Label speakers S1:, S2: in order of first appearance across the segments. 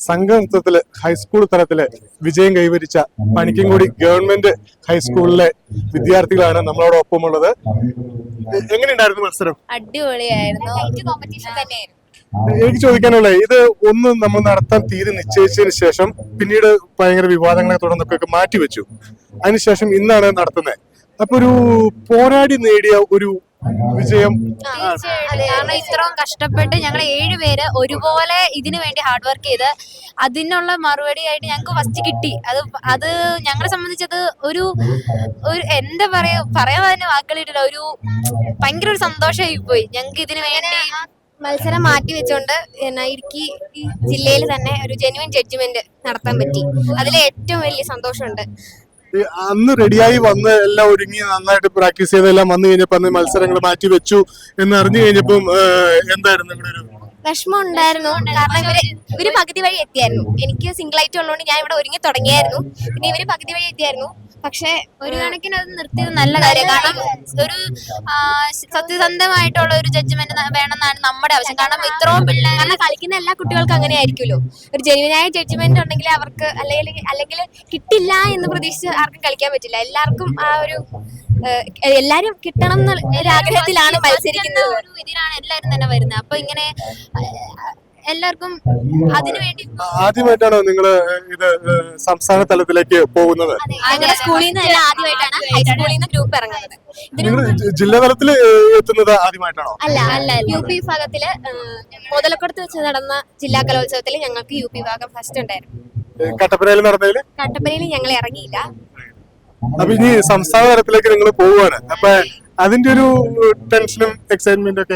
S1: സംഘനൃത്തത്തില് high school തലത്തില് വിജയം കൈവരിച്ച പണിക്കൻകുടി ഗവൺമെന്റ് ഹൈസ്കൂളിലെ വിദ്യാർത്ഥികളാണ് നമ്മളോടൊപ്പമുള്ളത്. എങ്ങനെയുണ്ടായിരുന്നു മത്സരം?
S2: അടിപൊളിയായിരുന്നു. കോമ്പറ്റീഷൻ തന്നെയായിരുന്നു.
S1: എനിക്ക് ചോദിക്കാനുള്ളത്, ഇത് ഒന്ന് നമ്മൾ നടത്താൻ തീരെ നിശ്ചയിച്ചതിന് ശേഷം പിന്നീട് ഭയങ്കര വിവാദങ്ങളെ തുടർന്നൊക്കെ മാറ്റിവെച്ചു. അതിനുശേഷം ഇന്നാണ് നടത്തുന്നത്. അപ്പൊ ഒരു പോരാടി നേടിയ ഒരു വിജയം.
S2: കാരണം ഇത്രയും കഷ്ടപ്പെട്ട് ഞങ്ങൾ 7 പേര് ഒരുപോലെ ഇതിനു വേണ്ടി ഹാർഡ് വർക്ക് ചെയ്ത് അതിനുള്ള മറുപടി ആയിട്ട് ഞങ്ങൾക്ക് ഫസ്റ്റ് കിട്ടി. അത് ഞങ്ങളെ സംബന്ധിച്ചത് ഒരു എന്താ പറയാൻ തന്നെ വാക്കുകളിട്ടില്ല. ഭയങ്കര ഒരു സന്തോഷമായി പോയി ഞങ്ങൾക്ക് ഇതിനു വേണ്ടി. മത്സരം മാറ്റി വെച്ചോണ്ട് ഇടുക്കി ജില്ലയിൽ തന്നെ ഒരു ജെന്യുവൻ ജഡ്ജ്മെന്റ് നടത്താൻ പറ്റി. അതിൽ ഏറ്റവും വലിയ സന്തോഷമുണ്ട്.
S1: അന്ന് റെഡിയായി വന്ന് എല്ലാം ഒരുങ്ങി നന്നായിട്ട് പ്രാക്ടീസ് ചെയ്തെല്ലാം വന്നു കഴിഞ്ഞപ്പോ അന്ന് മത്സരങ്ങൾ മാറ്റി വെച്ചു എന്ന് അറിഞ്ഞു കഴിഞ്ഞപ്പം എന്തായിരുന്നു നിങ്ങളുടെ ഒരു
S2: വിഷമം ഉണ്ടായിരുന്നു? കാരണം ഇവര് പകുതി വഴി എത്തിയായിരുന്നു. എനിക്ക് സിംഗിൾ ആയിട്ട് ഉള്ളതുകൊണ്ട് ഞാൻ ഇവിടെ ഒരുങ്ങി തുടങ്ങിയായിരുന്നു. പിന്നെ ഇവര് പകുതി വഴി എത്തിയായിരുന്നു. പക്ഷെ ഒരു കണക്കിന് അത് നിർത്തിയത് നല്ല കാര്യം. കാരണം ഒരു സത്യസന്ധമായിട്ടുള്ള ഒരു ജഡ്ജ്മെന്റ് വേണമെന്നാണ് നമ്മുടെ ആവശ്യം. കാരണം ഇത്രയും പിള്ളേർ, കാരണം കളിക്കുന്ന എല്ലാ കുട്ടികൾക്കും അങ്ങനെ ആയിരിക്കുമല്ലോ. ഒരു ജെന്യുവനായ ജഡ്ജ്മെന്റ് ഉണ്ടെങ്കിൽ അവർക്ക് അല്ലെങ്കിൽ കിട്ടില്ല എന്ന് പ്രതീക്ഷിച്ച് ആർക്കും കളിക്കാൻ പറ്റില്ല. എല്ലാവർക്കും ആ ഒരു എല്ലാരും കിട്ടണം എന്ന ആഗ്രഹത്തിലാണ് മത്സരിക്കുന്നത്. ഇതിനാണ് എല്ലാരും തന്നെ വരുന്നത്. അപ്പൊ ഇങ്ങനെ എല്ലാവർക്കും അതിനുവേണ്ടി.
S1: ആദ്യമായിട്ടാണോ നിങ്ങൾ ഇത് സംസ്ഥാന തലത്തിലേക്ക് പോകുന്നത്?
S2: ഞങ്ങളുടെ സ്കൂളിൽ നിന്ന് ആദ്യമായിട്ടാണ് ഹൈസ്കൂളിൽ നിന്ന് ഗ്രൂപ്പ് ഇറങ്ങുന്നത്.
S1: ജില്ലാ തലത്തിൽ എത്തുന്നത് ആദ്യമായിട്ടാണോ?
S2: അല്ല, UP വിഭാഗത്തില് മുതലക്കുടത്ത് വെച്ച് നടന്ന ജില്ലാ കലോത്സവത്തിൽ ഞങ്ങൾക്ക് UP വിഭാഗം ഫസ്റ്റ് ഉണ്ടായിരുന്നു. കട്ടപ്പനയിൽ ഞങ്ങൾ ഇറങ്ങിയില്ല.
S1: അപ്പൊ ഇനി സംസ്ഥാന തലത്തിലേക്ക് നിങ്ങൾ പോവുകയാണ്. അപ്പൊ അതിന്റെ ഒരു ടെൻഷനും എക്സൈറ്റ്മെന്റും ഒക്കെ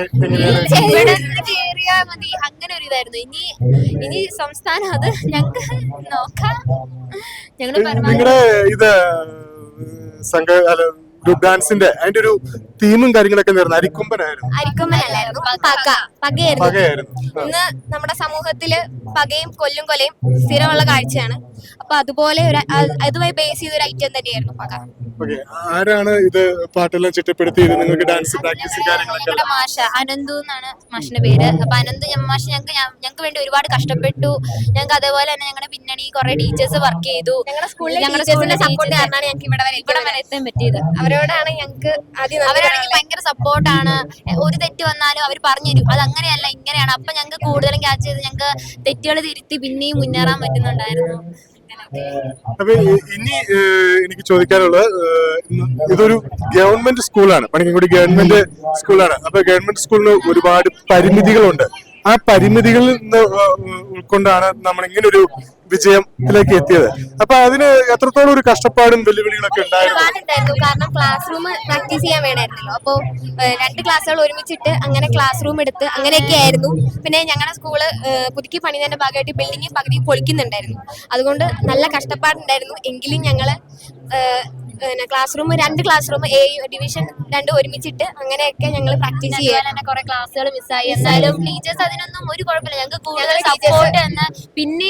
S2: മതി അങ്ങനെ ഒരു ഇതായിരുന്നു. ഇനി സംസ്ഥാനം അത് ഞങ്ങൾക്ക് നോക്കാം.
S1: നിങ്ങളുടെ ഇത് സംഘ ഗ്രൂപ്പ് ഡാൻസിന്റെ അതിന്റെ ഒരു തീമും കാര്യങ്ങളൊക്കെ നേർന്നു
S2: അരിക്കൊമ്പനല്ലായിരുന്നു, പകയായിരുന്നു. ഇന്ന് നമ്മുടെ സമൂഹത്തില് പകയും കൊലയും സ്ഥിരമുള്ള കാഴ്ചയാണ്. അപ്പൊ അതുപോലെ അതുമായി ബേസ് ചെയ്ത ഒരു ഐറ്റം തന്നെയായിരുന്നു പക.
S1: ആരാണ് ഇത് പാട്ടെല്ലാം ചിട്ടപ്പെടുത്തിയത്? നിങ്ങൾക്ക് ഡാൻസ് പ്രാക്ടീസ് കാര്യങ്ങളൊക്കെ?
S2: മാഷ അനന്തു എന്നാണ് മാഷിന്റെ പേര്. അപ്പൊ അനന്ത് മാഷ് ഞങ്ങൾക്ക് വേണ്ടി ഒരുപാട് കഷ്ടപ്പെട്ടു. ഞങ്ങൾക്ക് അതേപോലെ തന്നെ ഞങ്ങളുടെ പിന്നണി കുറെ ടീച്ചേഴ്സ് വർക്ക് ചെയ്തു. ഞങ്ങളുടെ സ്കൂളിലെ സപ്പോർട്ട് കാരണമാണ് ഞങ്ങൾക്ക് ഇവിടെ വരെ എത്താൻ പറ്റിയത്. അവരോടാണ് ഞങ്ങൾക്ക് അവരാണെങ്കിൽ ഭയങ്കര സപ്പോർട്ടാണ്. ഒരു തെറ്റ് വന്നാലും അവർ പറഞ്ഞു തരും, അത് അങ്ങനെയല്ല ഇങ്ങനെയാണ്. അപ്പൊ ഞങ്ങൾക്ക് കൂടുതലും ക്യാച്ച് ചെയ്ത് ഞങ്ങൾക്ക് തെറ്റുകൾ തിരുത്തി പിന്നെയും മുന്നേറാൻ പറ്റുന്നുണ്ടായിരുന്നു.
S1: അപ്പൊ ഇനി എനിക്ക് ചോദിക്കാനുള്ളത്, ഇതൊരു ഗവൺമെന്റ് സ്കൂളാണ്, പണിക്കൻകുടി ഗവൺമെന്റ് സ്കൂളാണ്. അപ്പൊ ഗവൺമെന്റ് സ്കൂളിന് ഒരുപാട് പരിമിതികളുണ്ട്. ആ പരിമിതികളിൽ നിന്ന് ഉൾക്കൊണ്ടാണ് നമ്മൾ ഇങ്ങനെ ഒരു വിജയത്തിലേക്ക് എത്തിയത്. അപ്പൊ അതിന് എത്രത്തോളം ഒരു കഷ്ടപ്പാടും വെല്ലുവിളികളൊക്കെ
S2: ഉണ്ടായിരുന്നു. കാരണം ക്ലാസ് റൂം പ്രാക്ടീസ് ചെയ്യാൻ വേണമായിരുന്നല്ലോ. അപ്പോ 2 ക്ലാസ്സുകൾ ഒരുമിച്ചിട്ട് അങ്ങനെ ക്ലാസ് റൂം എടുത്ത് അങ്ങനെയൊക്കെ ആയിരുന്നു. പിന്നെ ഞങ്ങളുടെ സ്കൂള് പുതുക്കി പണിതതിന്റെ ഭാഗമായിട്ട് ബിൽഡിംഗ് പകുതി പൊളിക്കുന്നുണ്ടായിരുന്നു. അതുകൊണ്ട് നല്ല കഷ്ടപ്പാടുണ്ടായിരുന്നു. എങ്കിലും ഞങ്ങള് class room 2 class room division 2 ഒരുമിച്ചിട്ട് അങ്ങനെയൊക്കെ ഞങ്ങൾ പ്രാക്ടീസ് ചെയ്യാൻ കുറെ ക്ലാസ്സുകൾ മിസ്സായി. എന്നാലും ടീച്ചേഴ്സ് അതിനൊന്നും ഒരു കുഴപ്പമില്ല. ഞങ്ങൾക്ക് കൂടുതൽ സപ്പോർട്ട് പിന്നെ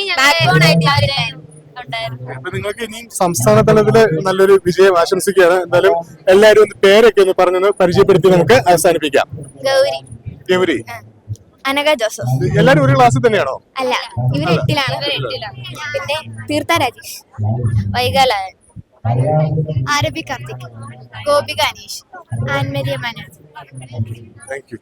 S1: നിങ്ങൾക്ക് ഇനി സംസ്ഥാന തലത്തില് നല്ലൊരു വിജയം ആശംസിക്കുകയാണ്. എന്തായാലും എല്ലാവരും ഒന്ന് പേരൊക്കെ ഒന്ന് പറഞ്ഞൊന്ന് പരിചയപ്പെടുത്തി നമുക്ക് അവസാനിപ്പിക്കാം. ഗൗരി,
S2: അനഘ ജോസഫ്.
S1: എല്ലാരും ഒരു ക്ലാസ്സിൽ തന്നെയാണോ?
S2: അല്ല, ഇവർ 8ലാണ്. പിന്നെ Theertha Rajesh, Vaikalayan, Aarabi Karthik, Gopika Aneesh, Annmaria Manoj.
S1: Thank U.